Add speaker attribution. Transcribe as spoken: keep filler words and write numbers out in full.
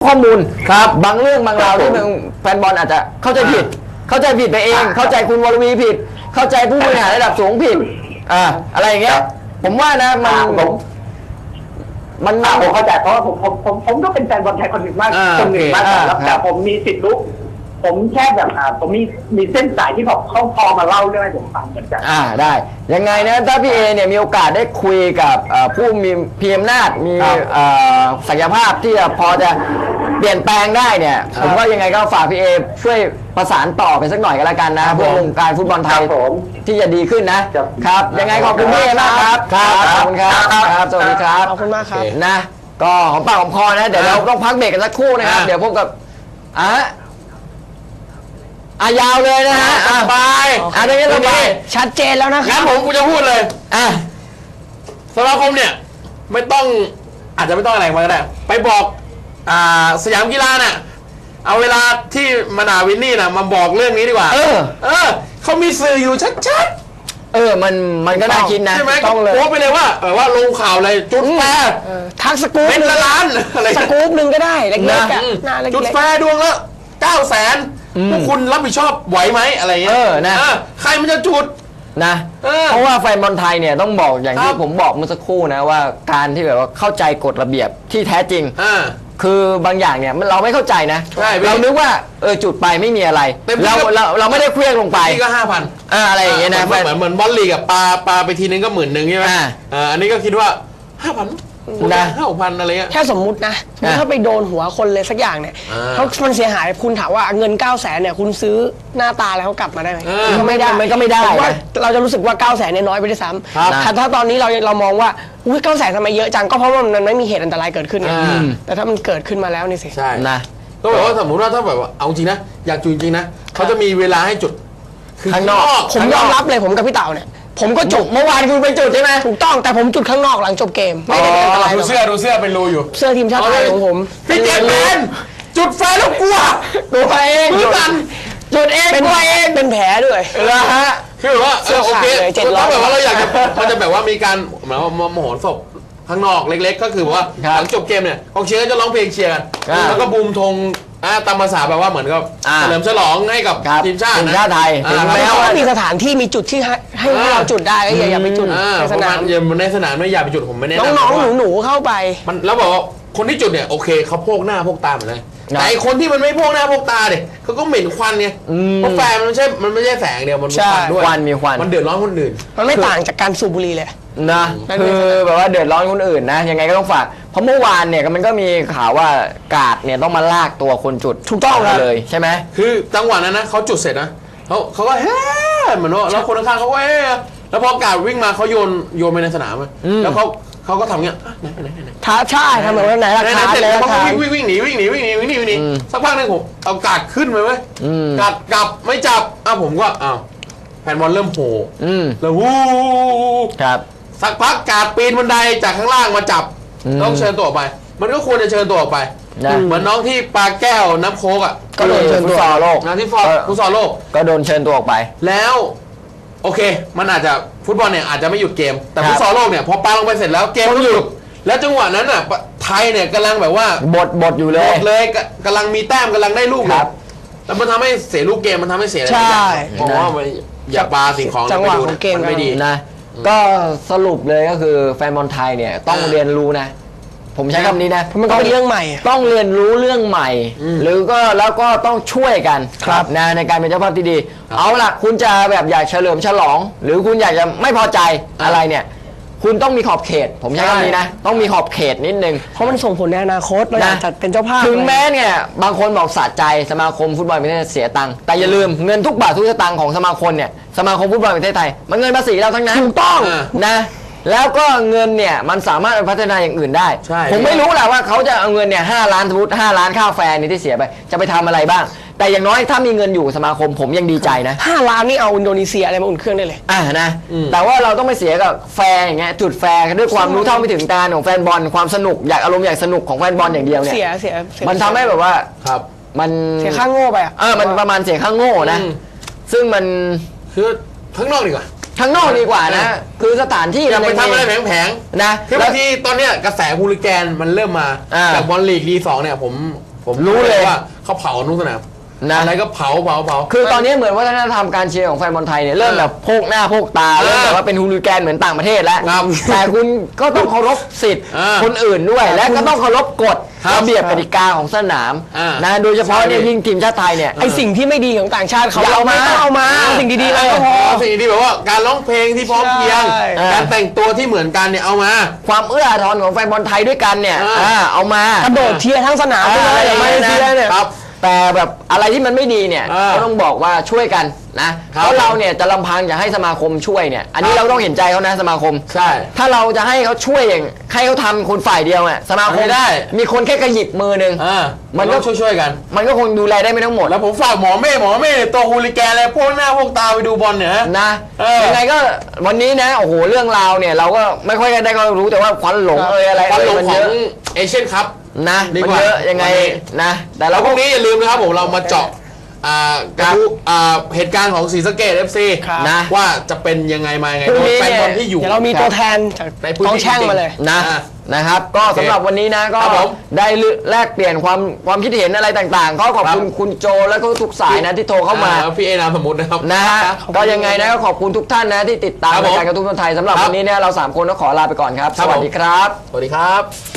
Speaker 1: ข้อมูลครับบางเรื่องบางราวที่แฟนบอลอาจจะเข้าใจผิดเข้าใจผิดไปเองเข้าใจคุณวรวีผิดเข้าใจผู้บริหารระดับสูงผิดอ่าอะไรอย่างเงี้ยผมว่านะมัน
Speaker 2: มันผมเข้าใจเพราะว่าผมผมผมผมก็เป็นแฟนบอลไทยคนหนึ่งมากคนหนึ่งมากแล้วแต่ผมมีสิทธิ์รู้ผมแค่แบบอ่าผมมีมีเส้นสายที่ผมเขาพอมาเล่าเรื่องให้ผมฟังเหมือนกัน
Speaker 1: อ่าได้ยังไงนะถ้าพี่เอเนี่ยมีโอกาสได้คุยกับผู้มีพีอำนาจมีศักยภาพที่จะพอจะเปลี่ยนแปลงได้เนี่ยผมว่ายังไงก็ฝากพี่เอช่วยประสานต่อไปสักหน่อยก็แล้วกันนะเพื่อวงการฟุตบอลไทยที่จะดีขึ้นนะครับยังไงขอบคุณพี่เอมากครับครับขอบคุณครับครับสวัสดีครับ
Speaker 3: ขอบคุณมากครับ
Speaker 1: นะก็หอมปากหอมคอนะเดี๋ยวเราต้องพักเบรกกันสักครู่นะครับเดี๋ยวพบกับอ่ะอ่ะยาวเลยนะฮะ
Speaker 4: สบาย
Speaker 1: อ่ะตรงนี้สบาย
Speaker 3: ชัดเจนแล้วนะค
Speaker 4: งั้
Speaker 3: รับ
Speaker 4: นผมกูจะพูดเลย
Speaker 1: อ่ะ
Speaker 4: สมาคมเนี่ยไม่ต้องอาจจะไม่ต้องอะไรมาก็ได้ไปบอกอ่าสยามกีฬาน่ะเอาเวลาที่มานาวินนี่น่ะมาบอกเรื่องนี้ดีกว่า
Speaker 1: เออ
Speaker 4: เออเขามีสื่ออยู่ชัด
Speaker 1: ๆเออมันมันก็น่าคิดนะ
Speaker 4: ใช่ไหมต้องเลยโพสไปเลยว่าเออว่าลงข่าวอะไรจุดแฟร์
Speaker 3: ทักสกู๊ป
Speaker 4: เป็นล้านอะไร
Speaker 3: สกู๊ปหนึ่งก็ได้เล็กๆอ่ะ
Speaker 4: จุดแฟร์ดวงละเก้าแสนพวกคุณรับผิดชอบไหวไหมอะไรเงี้ย
Speaker 1: เออนะ
Speaker 4: ใครมันจะจุด
Speaker 1: นะเพราะว่าแฟนบอลไทยเนี่ยต้องบอกอย่างที่ผมบอกเมื่อสักครู่นะว่าการที่แบบว่าเข้าใจกฎระเบียบที่แท้จริงคือบางอย่างเนี่ยเราไม่เข้าใจนะเรานึกว่าเออจุดไปไม่มีอะไรเราเราเราไม่ได้เคลื่อนลงไป
Speaker 4: นี่ก็ห้าพัน
Speaker 1: อะไรอย่างเงี้ยนะ
Speaker 4: เหมือนเหมือนบอลลีกับปลาปลาไปทีนึงก็หมื่นหนึ่งใช่ไหมอ่าอันนี้ก็คิดว่าห้าพันนะห้าพันอะไรเงี้ย
Speaker 3: แค่สมมุตินะถ้าไปโดนหัวคนเลยสักอย่างเนี่ยเขามันเสียหายคุณถามว่าเงินเก้าแสนเนี่ยคุณซื้อหน้าตาแล้วเขากลับมาได้ไหมก็ไม่ได้
Speaker 1: มันก็ไม่ได้
Speaker 3: ว่าเราจะรู้สึกว่าเก้าแสนเนี่ยน้อยไปด้วยซ้ำแต่ถ้าตอนนี้เราเรามองว่าอุ้ยเก้าแสนทำไมเยอะจังก็เพราะว่ามันไม่มีเหตุอันตรายเกิดขึ้นไงแต่ถ้ามันเกิดขึ้นมาแล้วนี่สิ
Speaker 4: ใช่
Speaker 1: นะ
Speaker 4: ก็แบบว่าสมมติว่าถ้าแบบว่าเอาจริงนะอยากจุดจริงนะเขาจะมีเวลาให้จุด
Speaker 1: ข้างนอก
Speaker 3: ผมยอมรับเลยผมกับพี่เต่าเนี่ยผมก็จุด
Speaker 1: เมื่อวานคุณไปจุดใช่ไหม
Speaker 3: ถูกต้องแต่ผมจุดข้างนอกหลังจบเกมไม่ได้เป็นอะไร
Speaker 4: ดูเสื้อดูเสื้อเป็นรูอยู่
Speaker 3: เสื้อทีมชาติไทยของผม
Speaker 4: พี่เจมเป็นจุดไฟแล้วกลัว
Speaker 1: ตัวเอง
Speaker 4: จุดกัน
Speaker 1: จุดเอง
Speaker 3: ตัวเองเป็นแผลด้วย
Speaker 1: เหรอฮะ
Speaker 4: คือว่าโอเคถ้าแบบว่าเราอยากจะมันจะแบบว่ามีการเหมือนว่ามโหรสพข้างนอกเล็กๆก็คือว่าหลังจบเกมเนี่ยกองเชียร์ก็จะร้องเพลงเชียร์กันแล้วก็บูมธงตามภาษาแบบว่าเหมือนกับเฉลิมฉลองให้กับทีมชาติ
Speaker 1: ทีมชาติไทย
Speaker 3: ถึงแม้ว่ามีสถานที่มีจุดที่ให้ให้เราจุดได้ก็อย่าอย่าไปจุดในสนาม
Speaker 4: อย่าในสนามไม่อย่าไปจุดผมไม่แนะนำ
Speaker 3: น้องๆหนูๆเข้าไป
Speaker 4: มันแล้วบอกว่าคนที่จุดเนี่ยโอเคเขาโพกหน้าโพกตาเหมือนกันแต่คนที่มันไม่โพกหน้าโพกตาเนี่ยเขาก็เหม็นควันไงเพราะแฟมันไม่ใช่มันไม่ใช่แสงเดียวมันมีควันด้วย
Speaker 1: ควันมีควัน
Speaker 4: มันเดือดร้อนคนอื่น
Speaker 3: มันไม่ต่างจากการสูบบุหรี่เลย
Speaker 1: นะคือแบบว่าเดือดร้อนคนอื่นนะยังไงก็ต้องฝากเพราะเมื่อวานเนี่ยมันก็มีข่าวว่ากาดเนี่ยต้องมาลากตัวคนจุด
Speaker 3: ถูกต้อง
Speaker 1: เลยใช่ไหม
Speaker 4: คือจังหวะนั้นนะเขาจุดเสร็จนะเขาเขาก็เฮ้เหมือนว่าแล้วคนข้างๆเขาก็เฮ้แล้วพอกาดวิ่งมาเขาโยนโยนไปในสนามแล้วเขาเขาก็ทำเงี้ยไหนไหนไหน
Speaker 3: ท้าใช่ทำแบบว่าไหนล่ะท้าเลย
Speaker 4: เขาวิ่งวิ่งวิ่งหนีวิ่งหนีวิ่งหนีวิ่งหนีวิ่งหนีสักพักนึงผมเอากาดขึ้นไปไหมกาดกลับไม่จับอ่ะผมก็อ้าวแฟนบอลเริ่มโผล่แล้ววู้
Speaker 1: ครับ
Speaker 4: สักพักกาดปีนบันไดจากข้างล่างมาจับต้องเชิญตัวออกไปมันก็ควรจะเชิญตัวออกไปเหมือนน้องที่ปาแก้วน้ำโค้กอ่ะ
Speaker 1: ก็โดนเชิญตัวโลก
Speaker 4: นะที่ฟอร์ฟุตซอลโลก
Speaker 1: ก็โดนเชิญตัวออกไป
Speaker 4: แล้วโอเคมันอาจจะฟุตบอลเนี่ยอาจจะไม่หยุดเกมแต่ฟุตซอลโลกเนี่ยพอปาลงไปเสร็จแล้วเกมก็หยุดแล้วจังหวะนั้นอ่ะไทยเนี่ยกำลังแบบว่า
Speaker 1: บดบดอยู่เลย
Speaker 4: บดเลยกำลังมีแต้มกำลังได้ลูกครับแล้วมันทำให้เสียลูกเกมมันทำให้เสียอะไรอย่างเงี้ยผมว่าอย่าปาสิ่งของ
Speaker 3: จังหวะของเกม
Speaker 4: ไม่ดี
Speaker 1: นะก็สรุปเลยก็คือแฟนบอลไทยเนี่ยต้องเรียนรู้นะผมใช้คำนี้นะ
Speaker 3: มันก็เป็นเรื่องใหม่
Speaker 1: ต้องเรียนรู้เรื่องใหม่หรือก็แล้วก็ต้องช่วยกันนะในการเป็นเจ้าภาพที่ดีเอาล่ะคุณจะแบบอยากเฉลิมฉลองหรือคุณอยากจะไม่พอใจอะไรเนี่ยคุณต้องมีขอบเขตผมใช้คำนี้นะต้องมีขอบเขตนิดนึง
Speaker 3: เพราะมันส่งผลในอนาคตเราอยากจัดเป็นเจ้าภาพ
Speaker 1: ถึงแม้เนี่ยบางคนบอกสะใจสมาคมฟุตบอลประเทศเสียตังค์แต่อย่าลืมเงินทุกบาททุกสตางค์ของสมาคมเนี่ยสมาคมฟุตบอลประเทศไทยมันเงินภาษีเราทั้งนั้น
Speaker 3: ถูกต้อง
Speaker 1: นะแล้วก็เงินเนี่ยมันสามารถไปพัฒนาอย่างอื่นได้ผมไม่รู้แหละว่าเขาจะเอาเงินเนี่ยห้าล้านสมมติห้าล้านค่าแฟนนี่ที่เสียไปจะไปทำอะไรบ้างแต่อย่างน้อยถ้ามีเงินอยู่สมาคมผมยังดีใจนะ
Speaker 3: ห้าล้านนี่เอาอินโดนีเซียอะไรมาอุ่นเครื่องได้เลย
Speaker 1: อ่านะแต่ว่าเราต้องไม่เสียกับแฟนอย่างเงี้ยจุดแฟร์ด้วยความรู้เท่าไม่ถึงการของแฟนบอลความสนุกอยากอารมณ์อยากสนุกของแฟนบอลอย่างเดียวเนี่ย
Speaker 3: เสียเสีย
Speaker 1: มันทำให้แบบว่า
Speaker 4: ครับ
Speaker 1: มัน
Speaker 3: เสียค่าโง่ไปอ่ะ
Speaker 1: เออมันประมาณเสียค่าโง่นะซึ่งมัน
Speaker 4: คือข้างนอกดีกว่า
Speaker 1: ข้างนอกดีกว่านะคือสถานที่
Speaker 4: เราไปทำอะไรแผงๆ
Speaker 1: นะ
Speaker 4: คือบางทีตอนเนี้ยกระแสฮูลิแกนมันเริ่มมาจากบอลลีกลีสองเนี่ยผมผผม
Speaker 1: รู้เลย
Speaker 4: ว่าเขาเผาทุกสนาม
Speaker 1: นะ
Speaker 4: อะไรก็เผาเผาเผา
Speaker 1: คือตอนนี้เหมือนวัฒนธรรมการเชียร์ของแฟนบอลไทยเนี่ยเริ่มแบบโพกหน้าโพกตา
Speaker 4: เออ
Speaker 1: เริ่มแบบว่าเป็นฮูลิแกนเหมือนต่างประเทศแล้ว
Speaker 4: ครับ
Speaker 1: แต่คุณก็ต้องเคารพสิทธิ์
Speaker 4: เออ
Speaker 1: คนอื่นด้วย และก็ต้องเคารพกฎ
Speaker 4: ครับ
Speaker 1: ระเบียบกติกาของสนาม
Speaker 4: อ่าน
Speaker 1: นะโดยเฉพาะเนี่ย
Speaker 4: ใช่
Speaker 1: ยิ่งทีมชาติไทยเนี่ย
Speaker 3: ไอสิ่งที่ไม่ดีของต่างชาติเขา
Speaker 1: อย่าเอามา
Speaker 3: ไม่ต้องเอามาเอาสิ่งดีๆมาก็พอ
Speaker 4: สิ่งที่แบบว่าการร้องเพลงที่พร้อมเพรียง
Speaker 3: ใช่
Speaker 4: การแต่งตัวที่เหมือนกันเนี่ยเอามา
Speaker 1: ความเอื้ออาทรของแฟนบอลไทยด้วยกันเนี่ย
Speaker 4: อ่า
Speaker 1: อ่าเอามาก
Speaker 3: ระโดดเชียร์ทั้งสนามไปเลย
Speaker 1: อ่า
Speaker 3: อย่างมาเลเซียเนี่ย
Speaker 4: ครับ
Speaker 1: แต่แบบอะไรที่มันไม่ดีเนี่ย
Speaker 4: อ่า
Speaker 1: ก็ต้องบอกว่าช่วยกันนะครับ เพราะเราเนี่ยจะลำพังจะให้สมาคมช่วยเนี่ยอันนี้
Speaker 4: ครับ
Speaker 1: เราต้องเห็นใจเขานะสมาคม
Speaker 4: ใช่
Speaker 1: ถ้าเราจะให้เขาช่วยอย่างให้เขาทำคนฝ่ายเดียวอ่ะสมาคม
Speaker 4: ไม่ได้
Speaker 1: มีคนแค่กระหยิบมือหนึ่ง
Speaker 4: อ่า
Speaker 1: มั
Speaker 4: มัน
Speaker 1: นก็
Speaker 4: ก็ช่วยๆกัน
Speaker 1: มันก็คงดูแลได้ไม่ทั้งหมด
Speaker 4: แล้วผมฝากหมอเม่หมอเม่เนี่ยตัวฮูลิแกนอะไรพวกหน้าพวกตาไปดูบอลเนี่ยฮะ
Speaker 1: นะ
Speaker 4: เออ
Speaker 1: ยังไงก็วันนี้นะโอ้โหเรื่องราวเนี่ยเราก็ไม่ค่อยได้ก็รู้แต่ว่าควันหลงเอยอะไร
Speaker 4: ควันหลง
Speaker 1: มัน
Speaker 4: ขอ
Speaker 1: เย
Speaker 4: ง
Speaker 1: อะ
Speaker 4: เอเชียนคัพ
Speaker 1: นะ
Speaker 4: ดี
Speaker 1: มัน
Speaker 4: กว่า
Speaker 1: เยอะยังไง
Speaker 4: วันนี้
Speaker 1: นะแต่
Speaker 4: แล้
Speaker 1: เรา
Speaker 4: วพ
Speaker 1: ก็
Speaker 4: รุ่งนี้อย่าลืมนะครับผมเรามาเจาะอ่ากระทู้อ่าเหตุการณ์ของศรีสะเกษ เอฟ ซี
Speaker 3: ครับ
Speaker 1: นะ
Speaker 4: ว่าจะเป็นยังไงมายังไง
Speaker 1: พรุ่งนี้
Speaker 4: โดยแฟนบอล
Speaker 1: เนี่ย
Speaker 4: ที่อยู่
Speaker 3: เดี๋ยวเรามีตัวแทนจาก
Speaker 4: ในพื้น
Speaker 3: กอง
Speaker 4: ที่
Speaker 3: แช่งมาเลย
Speaker 1: นะ
Speaker 4: อ่า
Speaker 1: นะครับ ก็สำหรับวันนี้นะก็
Speaker 4: ครับผม
Speaker 1: ได้แลกเปลี่ยนความความคิดเห็นอะไรต่างๆก็ขอบคุณ
Speaker 4: ครับ
Speaker 1: คุณโจและก็ทุกสายนะที่โทรเข้ามา
Speaker 4: อ่พี่เอนามสมมุตินะครับ
Speaker 1: นะฮะก็ยังไงนะก็ขอบคุณทุกท่านนะที่ติดตาม
Speaker 4: ครับผม
Speaker 1: รายการกระตุ้นคนไทยสำหรับ
Speaker 4: ครับ
Speaker 1: วันนี้เนี่ยเราสามคนก็ขอลาไปก่อนครับ
Speaker 4: ครั
Speaker 1: ส
Speaker 4: บ
Speaker 1: วัสดีครับ
Speaker 4: สวัสดีครับ